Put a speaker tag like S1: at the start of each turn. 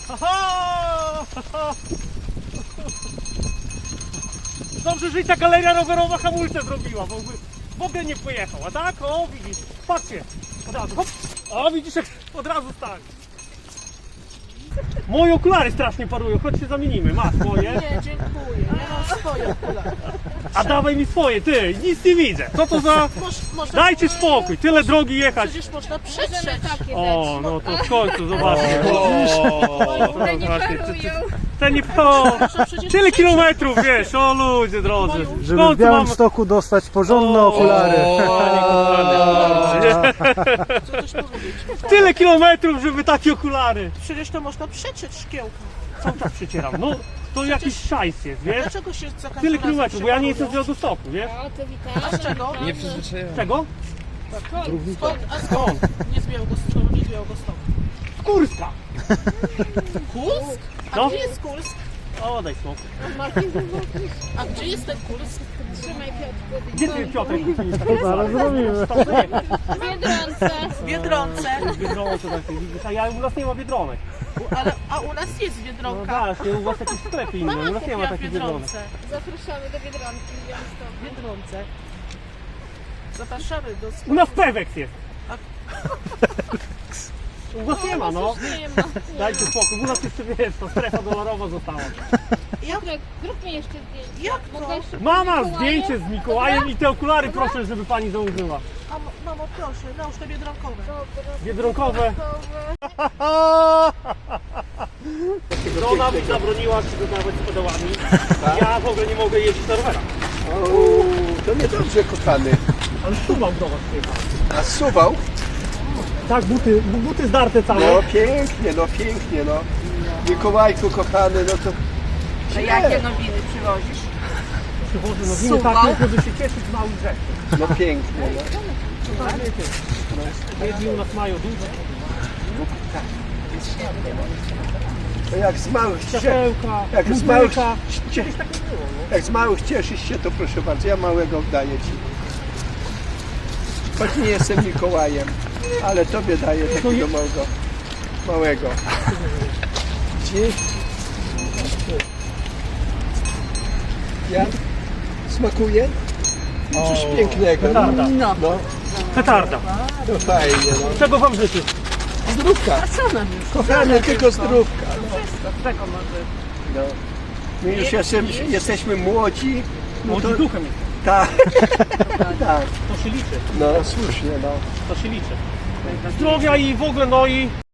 S1: Dobrze, że i ta galeria rowerowa hamulce zrobiła, bo w ogóle nie pojechał, a tak? O, widzisz, patrzcie, od razu, hop, o, widzisz, jak od razu stali. Moje okulary strasznie parują, chodź się zamienimy, masz moje.
S2: Nie, dziękuję, ja mam swoje okulary.
S1: A dawaj mi swoje, ty, nic nie widzę. Co to za...
S2: Można,
S1: Dajcie spokój, tyle drogi jechać.
S2: przecież można przetrzeć.
S1: O, no to w końcu, zobaczcie.
S3: One nie parują.
S1: Ten nie... O,
S2: Przecież
S1: tyle kilometrów, wiesz, o ludzie drodzy. W
S4: Żeby w
S1: końcu mam...
S4: Białymstoku dostać porządne
S1: O,
S4: okulary.
S2: Co coś powiedzieć?
S1: Tyle kilometrów, żeby takie okulary.
S2: Przecież to można przetrzeć szkiełka.
S1: Cały czas przecieram, no to jakiś szajs jest, wiesz?
S2: Dlaczego się za każdym
S1: Tyle
S2: razem
S1: kilometrów, bo ja nie jestem z
S2: przeparują?
S1: Białegostoku, wiesz?
S3: O, to witam.
S2: A z czego?
S3: Nie
S1: Czego?
S2: Skąd? A skąd? Nie z Białegostoku, nie z Białegostoku.
S1: Kurska!
S2: Kursk? A
S1: No.
S2: gdzie jest Kursk?
S1: O, daj spokój.
S2: A gdzie jest ten Kursk?
S3: Trzymaj Piotrku.
S1: Gdzie ty, Piotrek?
S4: To zaraz zrobimy.
S1: Tam dojechać.
S3: W Biedronce.
S2: W Biedronce.
S1: Biedronce takie, widzisz, a u nas nie ma Biedronek.
S2: A u nas jest
S1: No
S2: Biedronka.
S1: właśnie, u was jakieś sklepy inne, u nas nie ma
S2: Ja w
S1: takich Biedronek.
S2: Biedronce.
S3: Zapraszamy do Biedronki w
S2: W
S3: Białymstoku.
S2: Biedronce. Zapraszamy do
S1: U
S2: sklepu.
S1: nas Pewex jest. U was nie ma, no.
S3: Nie ma.
S1: Dajcie spokój, u nas jeszcze, wiesz, ta strefa dolorowa została.
S3: Piotrek, zrób mi jeszcze zdjęcie.
S2: Jak to?
S3: Mogę jeszcze
S1: Mama,
S3: Mikołajem?
S1: zdjęcie z Mikołajem i te okulary proszę, żeby pani założyła.
S2: A mamo, proszę, nałóż te biedronkowe.
S3: Dobra.
S1: Biedronkowe. Żona mi zabroniła przygotować z pedałami. Ja w ogóle nie mogę jeździć na rowerach.
S5: To niedobrze, kochany.
S1: Ale tu mam do was przyjechać.
S5: A zsuwał?
S1: Tak, buty zdarte całe.
S5: No pięknie, no. Mikołajku, kochany, no to...
S2: A jakie nowiny przywozisz?
S1: Przychodzę, no winy takie, żeby się cieszyć z małych rzeczy.
S5: No pięknie, no.
S1: Tak, wiecie. Jedni u nas mają duże.
S5: To jak z małych
S1: Światełka,
S5: jak z małych,
S1: muzyka. Kiedyś tak nie było, no.
S5: jak z małych cieszysz się, to proszę bardzo, ja małego daję ci. Choć nie jestem Mikołajem, ale tobie daję takiego małego. Widzisz? Jak? Smakuje? Coś pięknego.
S1: Petarda.
S5: No,
S1: Petarda.
S5: to fajnie, no.
S1: Czego wam życzę?
S5: Zdrówka. Kochany, tylko zdrówka.
S1: Czekam na
S5: No. My już jesteśmy młodzi. No
S1: młodzi
S5: to,
S1: duchem jest.
S5: tak, tak.
S1: To się liczy.
S5: No słusznie, no.
S1: To się liczy. Zdrowia i w ogóle, no i